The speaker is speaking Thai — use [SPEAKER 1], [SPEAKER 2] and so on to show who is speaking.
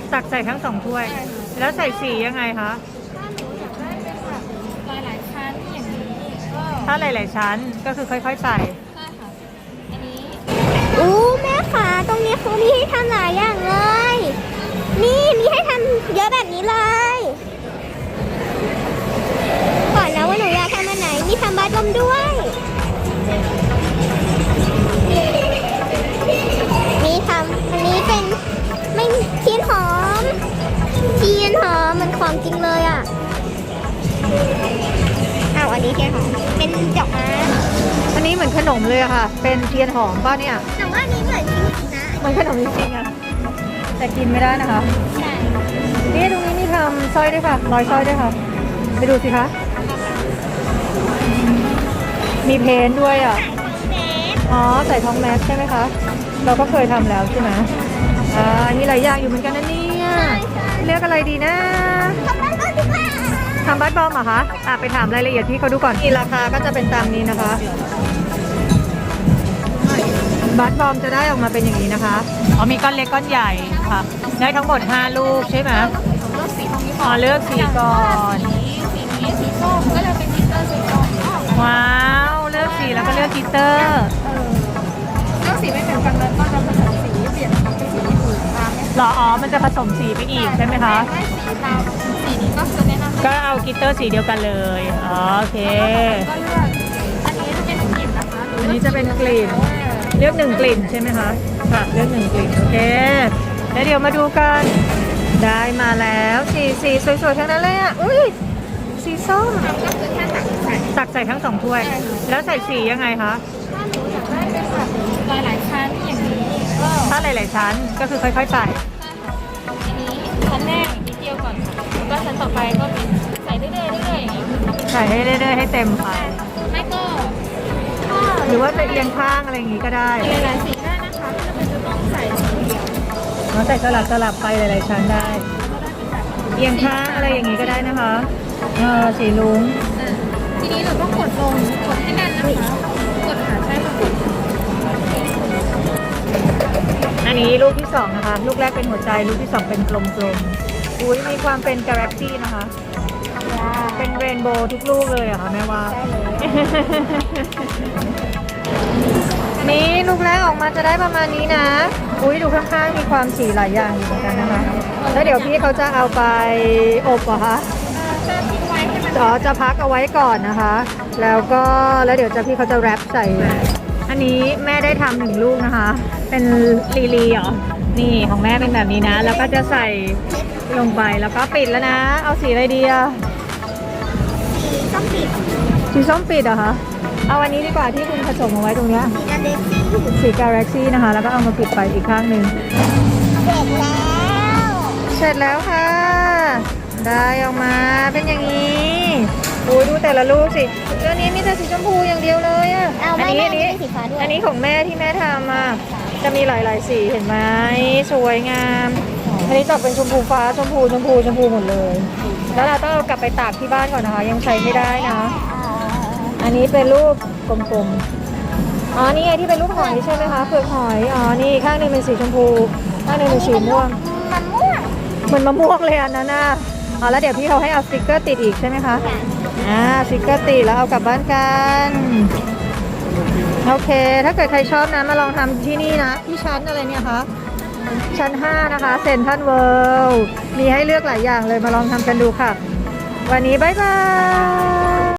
[SPEAKER 1] ตักใส่ทั้ง2 ถ้วยแล้วใส่สียังไงคะ
[SPEAKER 2] ถ้าหนูอยากได้เป็นแบบหลายๆชั้นอย่างนี้ก็
[SPEAKER 1] ถ้าหลายๆชั้นก็คือค่อยๆใส่
[SPEAKER 2] ใช่ค่ะอันนี้
[SPEAKER 3] แม่ขาตรงนี้เขามีให้ทำหลายอย่างเลย นี่มีให้ทำเยอะแบบนี้เลยก่อนนะว่าหนูอยากทำอันไหนมีทำบัตรลมด้วยมีทำอันนี้เป็นไม่เทียนหอมมันของจริงเลยอ่ะอันนี้เทียนหอมเป็นดอกไม้
[SPEAKER 1] อันนี้เหมือนขนมเลยอะค่ะเป็นเทียนหอมป่ะเนี่ย
[SPEAKER 3] แต่ว่าอันนี้เหมือนจริงนะ
[SPEAKER 1] มันขนมจริงๆอะแต่กินไม่ได้นะคะ
[SPEAKER 3] ใช่
[SPEAKER 1] นี่ตรงนี้มีทำสร้อยด้วยค่ะร้อยสร้อยด้วยค่ะไปดูสิคะมีเพนท์ด้วยอ่ะอ๋อใส่ทองแมสใช่ไหมคะเราก็เคยทำแล้วใช่ไหมอันนี้หลายอย่างอยู่เหมือนกันนะเนี่ยเลือกอะไรดีนะทำบัตรบอมเหรอคะไปถามรายละเอียดที่เขาดูก่อนราคาก็จะเป็นตามนี้นะคะบัตรบอมจะได้ออกมาเป็นอย่างนี้นะคะมีก้อนเล็กก้อนใหญ่ค่ะได้ทั้งหมด5 ลูกใช่ไหม
[SPEAKER 2] เลือกสีตรงนี้
[SPEAKER 1] เลือกสีก่อน
[SPEAKER 2] สีนี้สีส้มก็เลยเป็นกลิตเตอร์สีส้ม
[SPEAKER 1] ว้าวเลือกสีแล้วก็เลือกกลิตเตอร์
[SPEAKER 2] เลือกสีไม่เหมือนกันเลยก็จะผสมสีเปลี่ยนเป็นสีอื่นตาม
[SPEAKER 1] หรอมันจะผสมสีไปอีกใช่ไหมคะ
[SPEAKER 2] สีตามสีนี้ก็คือแนะนำ
[SPEAKER 1] ก็เอากลิตเตอร์สีเดียวกันเลยโอเค
[SPEAKER 2] ก็เลือกอันนี้จะเป็นกลิ่นนะคะ
[SPEAKER 1] อันนี้จะเป็นกลิ่นเลือก1 กลิ่นใช่ไหมคะค่ะเลือก1 กลิ่นโอเคแล้วเดี๋ยวมาดูกันได้มาแล้วสีสวยๆทั้งนั้นเลยอ่ะอุ้ยสีส้ม
[SPEAKER 2] ก็คือแค่
[SPEAKER 1] ตักใส่ทั้ง2 ถ้วยแล้วใส่สียังไงคะ
[SPEAKER 2] ถ้าหนูอยากได้เป็นแบบหลายๆชั้นอย่างนี้ก็
[SPEAKER 1] ถ้าหลายๆชั้นก็คือค่อยๆใส่
[SPEAKER 2] อันนี้ชั้นแรกนิดเดียวก่อนแล้วก็ชั้นต่อไปก็เป็นใส่เรื่อยๆอย่างนี้
[SPEAKER 1] ใส่ให้เรื่อยๆให้เต็มค่ะ
[SPEAKER 2] ไม่ก็
[SPEAKER 1] หรือว่าจะเอียงข้างอะไรอย่างนี้ก็ได้
[SPEAKER 2] หลายๆสีได้นะคะไม่จำเป็นจะต้องใส่สีเดียว
[SPEAKER 1] ใส่สลับไปหลายๆชั้นได้เอียงข้างอะไรอย่างนี้ก็ได้นะคะสีลุ้ง
[SPEAKER 2] ทีนี้เราต้องกดลงกดให้แน่นนะคะกดขาใช้กด
[SPEAKER 1] อันนี้ลูกที่2นะคะลูกแรกเป็นหัวใจลูกที่2เป็นกลมๆอุ้ยมีความเป็นกาแล็กซี่นะคะเป็นเรนโบว์ทุกลูกเลยอะค่ะแม่ว่านี่ลูกแรกออกมาจะได้ประมาณนี้นะอุ้ยดูข้างๆมีความสีหลายอย่างอยู่เหมือนกันนะคะแล้วเดี๋ยวพี่เขาจะเอาไปอบเหรอคะจะพักเอาไว้ก่อนนะคะแล้วเดี๋ยวพี่เขาจะแรปใส่อันนี้แม่ได้ทำ1 ลูกนะคะเป็นลีเหรอนี่ของแม่เป็นแบบนี้นะแล้วก็จะใส่ลงไปแล้วก็ปิดแล้วนะเอาสีอะไรดีอะสีส้มปิดเหรอคะเอาอันนี้ดีกว่าที่คุณผสมเอาไว้ตรงนี้สีกาแล็กซี่นะคะแล้วก็เอามาปิดไปอีกข้างหนึ่งเสร็จแล้วค่ะได้ออกมาเป็นอย่างนี้ดูแต่ละลูกสิตัวนี้มีแต่สีชมพูอย่างเดียวเลยอ่ะอันนี้ของแม่ที่แม่ทำอ่ะจะมีหลายๆสีเห็นไหมสวยงามอันนี้จะเป็นชมพูฟ้าชมพูหมดเลยแล้วเราต้องเอากลับไปตากที่บ้านก่อนนะคะยังใช้ไม่ได้นะอันนี้เป็นรูปกลมๆนี่ไงที่เป็นรูปหอยใช่ไหมคะเปลือกหอยนี่ข้างนึงเป็นสีชมพูข้างนึงเป็นสีม่วงเหมือนมะม่วงเลยอันนั้นนะแล้วเดี๋ยวพี่เขาให้เอาสติ๊กเกอร์ติดอีกใช่ไหมคะสติ๊กเกอร์ติดแล้วเอากลับบ้านกันโอเคถ้าเกิดใครชอบนะมาลองทำที่นี่นะที่ชั้นอะไรเนี่ยคะชั้น5นะคะเซ็นทรัลเวิลด์มีให้เลือกหลายอย่างเลยมาลองทำกันดูค่ะวันนี้บ๊ายบาย